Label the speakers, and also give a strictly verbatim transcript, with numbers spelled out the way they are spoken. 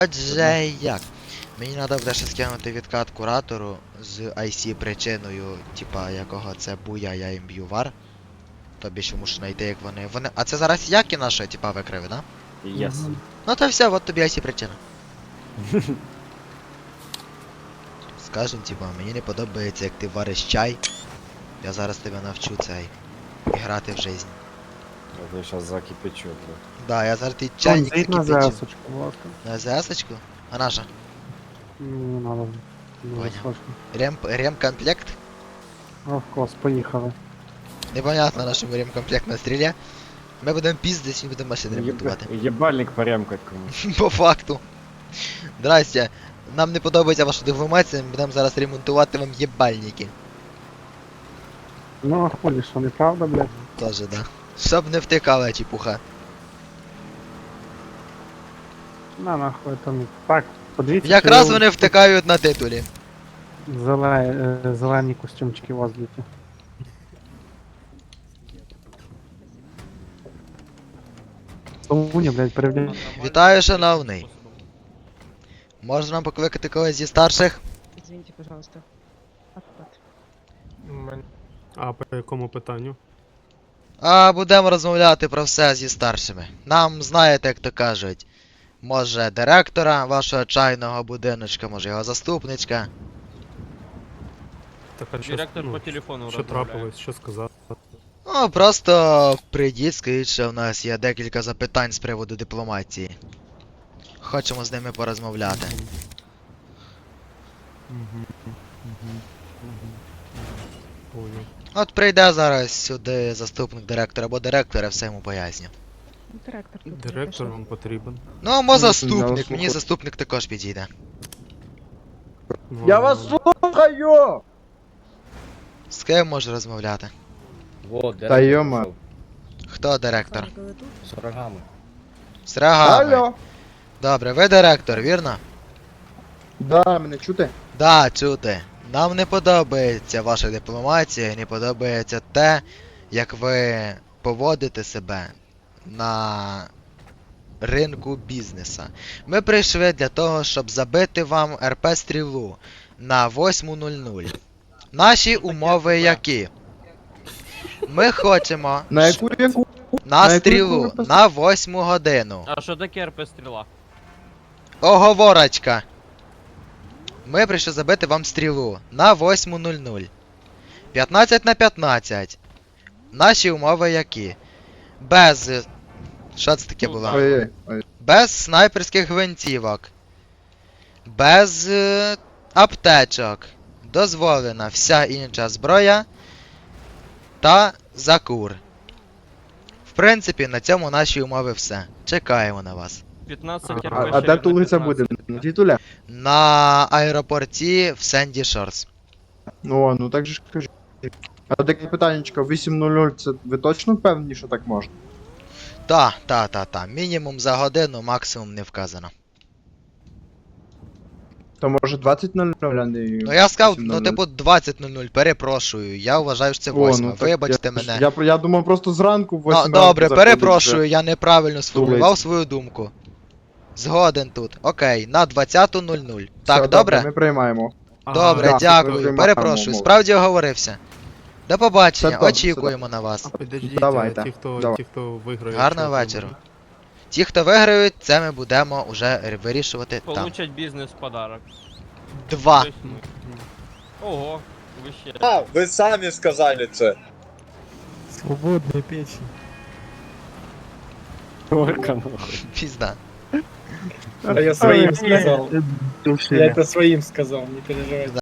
Speaker 1: Отже, як? Мені треба буде ще скинути відкат куратору з ай сі причиною, типа якого це буя, я їм б'ю вар. Тобі ще мушу знайти, як вони. Вони. А це зараз які наші, типа, викриви, да?
Speaker 2: Yes.
Speaker 1: Ну то все, от тобі ай сі причина. Скажем, типа, мені не подобається, як ти вариш чай. Я зараз тебе навчу цей. І грати в жизнь.
Speaker 2: Я тебе сейчас закипячу, бля.
Speaker 1: Да, я зараз ти чайник
Speaker 3: Зайдь на
Speaker 1: закипячу.
Speaker 3: ЗС-очку, будь ласка.
Speaker 1: На ЗС-очку? А наша?
Speaker 3: Не надо. Дуже
Speaker 1: Понял.
Speaker 3: сложно.
Speaker 1: Рем... Ремкомплект?
Speaker 3: Овкос, поїхали.
Speaker 1: Непонятно нашому ремкомплект на стрілі. Ми будемо піздись і будемо машини ремонтувати.
Speaker 2: Еб- Ебальник поремкать кому.
Speaker 1: По факту. Здрасте. Нам не подобається ваша деформація, ми будемо зараз ремонтувати вам єбальники.
Speaker 3: Ну, а хулі, що неправда, блядь?
Speaker 1: Тоже, да. Щоб не втикала чепуха.
Speaker 3: На нахуй там. Так, подивіться.
Speaker 1: Якраз
Speaker 3: чи
Speaker 1: вони втикають на титулі.
Speaker 3: зеле... е, зелені костюмчики у вас діти. Солуня, блядь, перевдяй.
Speaker 1: Вітаю, шановний. Можна нам покликати когось зі старших?
Speaker 4: Извините, пожалуйста. Отпад.
Speaker 5: А по якому питанню?
Speaker 1: А будемо розмовляти про все зі старшими. Нам, знаєте, як то кажуть, може директора вашого чайного будиночка, може його заступничка.
Speaker 5: Так, а що,
Speaker 6: Директор
Speaker 5: ну,
Speaker 6: по телефону
Speaker 5: що
Speaker 6: розмовляє.
Speaker 5: трапилось, що сказав?
Speaker 1: Ну, просто прийдіть, скажіть, що в нас є декілька запитань з приводу дипломатії. Хочемо з ними порозмовляти.
Speaker 5: Угу. Угу. Понял.
Speaker 1: От прийде зараз сюди заступник директора або директора, все йому поясню.
Speaker 4: Ну, Директор. тут
Speaker 5: Директор
Speaker 4: прийшов.
Speaker 5: вам потрібен.
Speaker 1: Ну, або
Speaker 3: Ну,
Speaker 1: заступник,
Speaker 3: я
Speaker 1: мені
Speaker 3: слухаю.
Speaker 1: заступник також підійде.
Speaker 5: Ну,
Speaker 7: Я вас слухаю!
Speaker 1: З ким можу розмовляти?
Speaker 7: Вот,
Speaker 3: Та йома.
Speaker 1: Хто директор?
Speaker 4: Пане, коли тут?
Speaker 7: С рогами.
Speaker 1: З рогами.
Speaker 7: Алло!
Speaker 1: Добре, ви директор, вірно?
Speaker 7: Да, мене чути?
Speaker 1: Да, чути. Нам не подобається ваша дипломатія, не подобається те, як ви поводите себе на ринку бізнеса. Ми прийшли для того, щоб забити вам ар пе стрілу на восьму нуль нуль. Наші умови які? Ми хочемо
Speaker 7: На яку яку?
Speaker 1: на
Speaker 7: на яку
Speaker 1: стрілу
Speaker 7: яку ви
Speaker 1: на восьму годину.
Speaker 6: А що таке РП стріла?
Speaker 1: Оговорочка. Ми прийшли забити вам стрілу на восьму нуль нуль. п'ятнадцять на п'ятнадцять. Наші умови які? Без. Що це таке було?
Speaker 7: Ой, ой.
Speaker 1: Без снайперських гвинтівок. Без е, аптечок. Дозволена вся інша зброя та закур. В принципі, на цьому наші умови все. Чекаємо на вас.
Speaker 6: п'ятнадцять РП.
Speaker 7: А,
Speaker 6: ще
Speaker 7: а де
Speaker 6: на
Speaker 7: тулиця буде?
Speaker 6: п'ятнадцять.
Speaker 7: На тітуля?
Speaker 1: На аеропорті в Сенді Шорс.
Speaker 7: Ну, о, ну так же ж кажи. А таке питаннячко, вісім нуль нуль, це ви точно впевнені, що так можна?
Speaker 1: Та, та, та, та. Мінімум за годину, максимум не вказано.
Speaker 7: То може двадцять нуль нуль, а не...
Speaker 1: Ну я сказав,
Speaker 7: вісім
Speaker 1: ну
Speaker 7: нуль нуль.
Speaker 1: типу двадцять нуль нуль, перепрошую. Я вважаю, що це
Speaker 7: О,
Speaker 1: восьма.
Speaker 7: ну так
Speaker 1: Вибачте
Speaker 7: я,
Speaker 1: мене.
Speaker 7: Я, я думав просто зранку в
Speaker 1: Ну,
Speaker 7: восьмій
Speaker 1: добре,
Speaker 7: ранку заходить
Speaker 1: перепрошую,
Speaker 7: вже.
Speaker 1: я неправильно сформулював
Speaker 7: Тулиця.
Speaker 1: свою думку. Згоден тут. Окей, на двадцяту нуль нуль. Так,
Speaker 7: Все,
Speaker 1: добре?
Speaker 7: Ми приймаємо.
Speaker 1: Добре,
Speaker 7: да,
Speaker 1: дякую.
Speaker 7: приймаємо
Speaker 1: Перепрошую,
Speaker 7: умови.
Speaker 1: справді оговорився. До побачення,
Speaker 7: Все добре,
Speaker 1: очікуємо на вас.
Speaker 5: А підождіть,
Speaker 7: Давайте,
Speaker 5: а ті, хто,
Speaker 7: давай.
Speaker 5: ті, хто виграє.
Speaker 1: Гарного
Speaker 5: що
Speaker 1: вечора.
Speaker 5: отримають?
Speaker 1: Ті, хто виграють, це ми будемо уже вирішувати там.
Speaker 6: Получать бізнес в подарок.
Speaker 1: Два.
Speaker 6: Тобто ми. Ого, ви ще.
Speaker 8: А, вы сами сказали это.
Speaker 5: Свободна печень.
Speaker 2: Орка, нахуй.
Speaker 1: Пізда.
Speaker 9: А я своим
Speaker 3: Ой,
Speaker 9: сказал.
Speaker 3: Душі.
Speaker 9: Я это своим сказал, не переживайте.